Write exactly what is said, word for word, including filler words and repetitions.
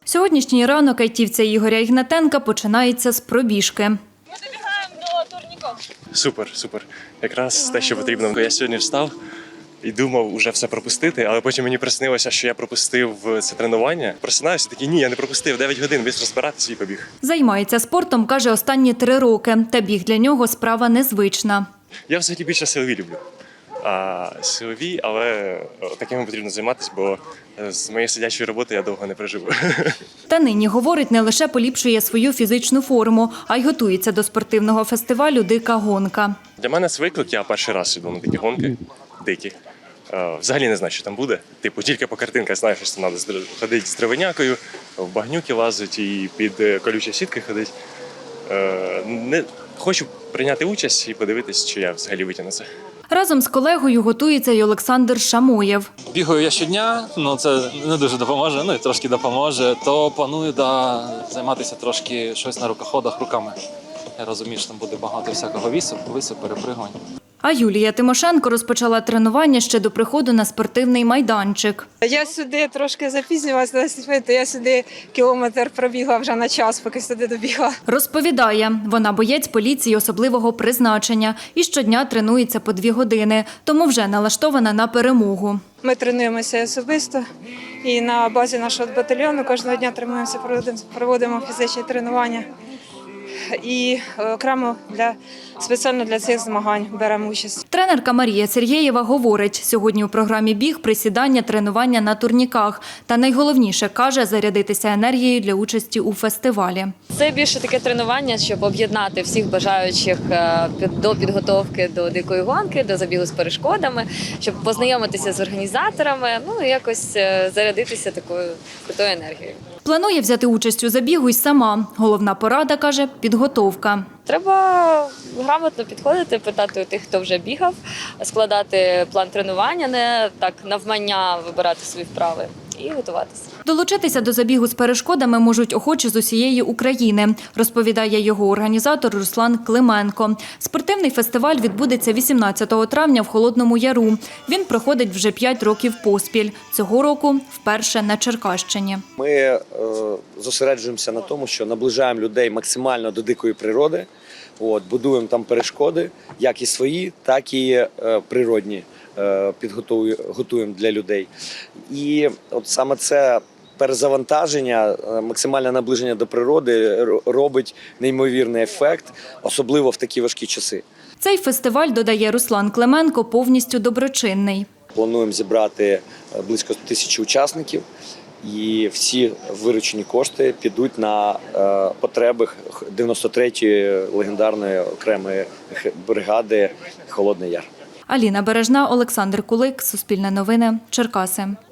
Сьогоднішній ранок айтівця Ігоря Ігнатенка починається з пробіжки. Ми добігаємо до турніків. Супер, супер. Якраз те, що потрібно. Я сьогодні встав і думав уже все пропустити, але потім мені приснилося, що я пропустив це тренування. Просинаюся, такий, ні, я не пропустив, дев'ять годин, весь розбиратися і побіг. Займається спортом, каже, останні три роки. Та біг для нього справа незвична. Я взагалі більше силові люблю. А силові, але такими потрібно займатися, бо з моєї сидячої роботи я довго не проживу. Та нині, говорить, не лише поліпшує свою фізичну форму, а й готується до спортивного фестивалю «Дика гонка». Для мене це виклик, я перший раз іду на такі гонки, дикі. Взагалі не знаю, що там буде. Типу, тільки по картинках знаю, що там треба ходити з дровинякою, в багнюки лазити і під колючі сітки ходити. Не хочу прийняти участь і подивитись, чи я взагалі витягну це. Разом з колегою готується й Олександр Шамоєв. Бігаю я щодня, ну це не дуже допоможе, ну і трошки допоможе, то планую да, займатися трошки щось на рукоходах руками. Я розумію, що там буде багато всякого вісу, вису, перепригувань. А Юлія Тимошенко розпочала тренування ще до приходу на спортивний майданчик. Я сюди трошки запізнювалася на десять хвилин, то я сюди кілометр пробігла вже на час, поки сюди добігла. Розповідає, вона боєць поліції особливого призначення і щодня тренується по дві години, тому вже налаштована на перемогу. Ми тренуємося особисто і на базі нашого батальйону кожного дня тренуємося, проводимо, проводимо фізичні тренування. І окремо для спеціально для цих змагань беремо участь. Тренерка Марія Сергєєва говорить, сьогодні у програмі біг, присідання, тренування на турніках. Та найголовніше, каже, зарядитися енергією для участі у фестивалі. Це більше таке тренування, щоб об'єднати всіх бажаючих до підготовки до дикої гонки, до забігу з перешкодами, щоб познайомитися з організаторами, ну і якось зарядитися такою крутою енергією. Планує взяти участь у забігу й сама. Головна порада, каже, підготовка. Треба грамотно підходити, питати у тих, хто вже бігав, складати план тренування, не так навмання вибирати свої вправи і готуватися. Долучитися до забігу з перешкодами можуть охочі з усієї України, розповідає його організатор Руслан Клименко. Спортивний фестиваль відбудеться вісімнадцятого травня в Холодному Яру. Він проходить вже п'ять років поспіль. Цього року вперше на Черкащині. Ми е, зосереджуємося на тому, що наближаємо людей максимально до дикої природи. От, будуємо там перешкоди, як і свої, так і е, природні. Підготуємо для людей. І от саме це перезавантаження, максимальне наближення до природи робить неймовірний ефект, особливо в такі важкі часи. Цей фестиваль, додає Руслан Клименко, повністю доброчинний. Плануємо зібрати близько тисячі учасників, і всі виручені кошти підуть на потреби дев'яносто третьої легендарної окремої бригади «Холодний Яр». Аліна Бережна, Олександр Кулик, Суспільне новини, Черкаси.